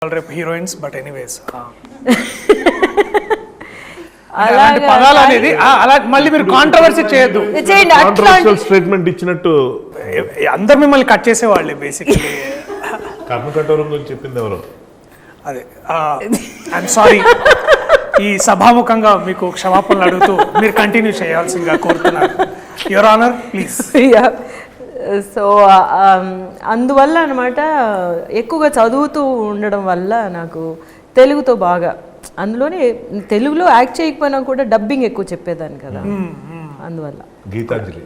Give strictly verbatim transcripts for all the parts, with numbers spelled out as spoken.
రేపు heroines but anyways అలాంటి పదాలు అనేది అలా మళ్ళీ మీరు కాంట్రవర్సీ చేయొద్దు. చేయండి కాంట్రవర్షియల్ స్టేట్మెంట్ ఇచ్చినట్టు అందరు మిమ్మల్ని కట్ చేసేవాళ్ళే బేసిక్లీ. కర్మకఠోరం గురించి చెప్పింది ఎవరు? అదే ఐఎమ్ సారీ. ఈ సభాముఖంగా మీకు క్షమాపణలు అడుగుతూ మీరు కంటిన్యూ చేయాల్సిందిగా కోరుతున్నాను. Your honour please. సో అందువల్ల అనమాట ఎక్కువగా చదువుతూ ఉండడం వల్ల నాకు తెలుగుతో బాగా, అందులోనే తెలుగులో యాక్ట్ చేయకపోయినా కూడా డబ్బింగ్ ఎక్కువ చెప్పేదాన్ని కదా, అందువల్ల. గీతాంజలి.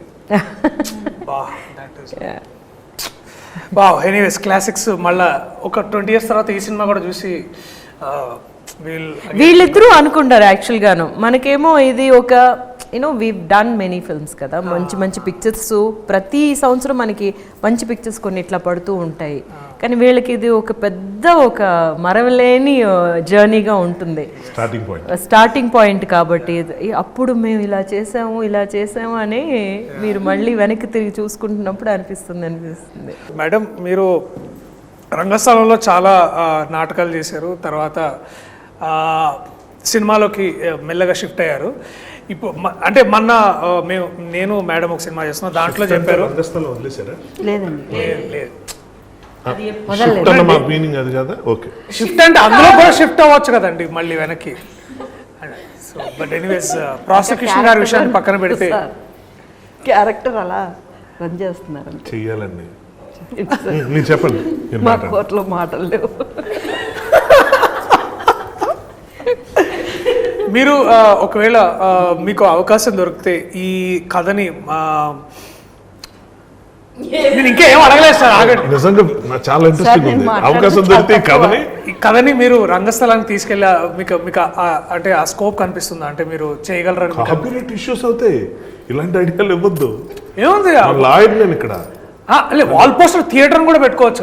వా ఎనీవేస్ క్లాసిక్స్. మళ్ళా ఒక ట్వంటీ ఇయర్స్ తర్వాత ఈ సినిమా కూడా చూసి వీళ్ళిద్దరూ అనుకుంటారు యాక్చువల్గాను. మనకేమో ఇది ఒక you know we done many films కదా, మంచి మంచి పిక్చర్స్ ప్రతి సంవత్సరం మనకి మంచి పిక్చర్స్ కొన్ని ఇట్లా పడుతూ ఉంటాయి. కానీ వీళ్ళకి ఇది ఒక పెద్ద ఒక మరవలేని జర్నీగా ఉంటుంది, స్టార్టింగ్ పాయింట్ స్టార్టింగ్ పాయింట్ కాబట్టి అప్పుడు మేము ఇలా చేసాము ఇలా చేసాము అని మీరు మళ్ళీ వెనక్కి తిరిగి చూసుకుంటున్నప్పుడు అనిపిస్తుంది అనిపిస్తుంది మేడం, మీరు రంగస్థలంలో చాలా నాటకాలు చేశారు, తర్వాత సినిమాలోకి మెల్లగా షిఫ్ట్ అయ్యారు. ఇప్పుడు అంటే మొన్న మేము నేను మేడం ఒక సినిమా చేస్తున్నాం, దాంట్లో చెప్పారు లేదండి లేదు షిఫ్ట్ అంటే అందులో కూడా షిఫ్ట్ అవ్వచ్చు కదండి మళ్ళీ వెనక్కి. సో బట్ ఎనీవేస్ ప్రాసిక్యూషన్ గారి విషయాన్ని పక్కన పెడితే క్యారెక్టర్ అలా రన్ చేస్తున్నారు చెయ్యాలండి. మీరు చెప్పండి. మా కోర్టులో మాటలు లేవు. మీరు ఒకవేళ మీకు అవకాశం దొరికితే ఈ కథని నేను ఇంకా ఏం అడగలేదు సార్, ఆగండి. నిజంగా చాలా ఇంట్రెస్టింగ్ ఉంది. అవకాశం దొరికితే కథని ఈ కథని మీరు రంగస్థలానికి తీసుకెళ్ళి మీకు మీకు అంటే ఆ స్కోప్ కనిపిస్తుందా, అంటే మీరు చేయగలరని? కాపీరైట్ ఇష్యూస్ అవుతాయి, ఇలాంటి ఐడియాలు ఇవ్వద్దు. ఏముంది లాయర్ నేను ఇక్కడ వాల్ పోస్టర్ థియేటర్ కూడా పెట్టుకోవచ్చు.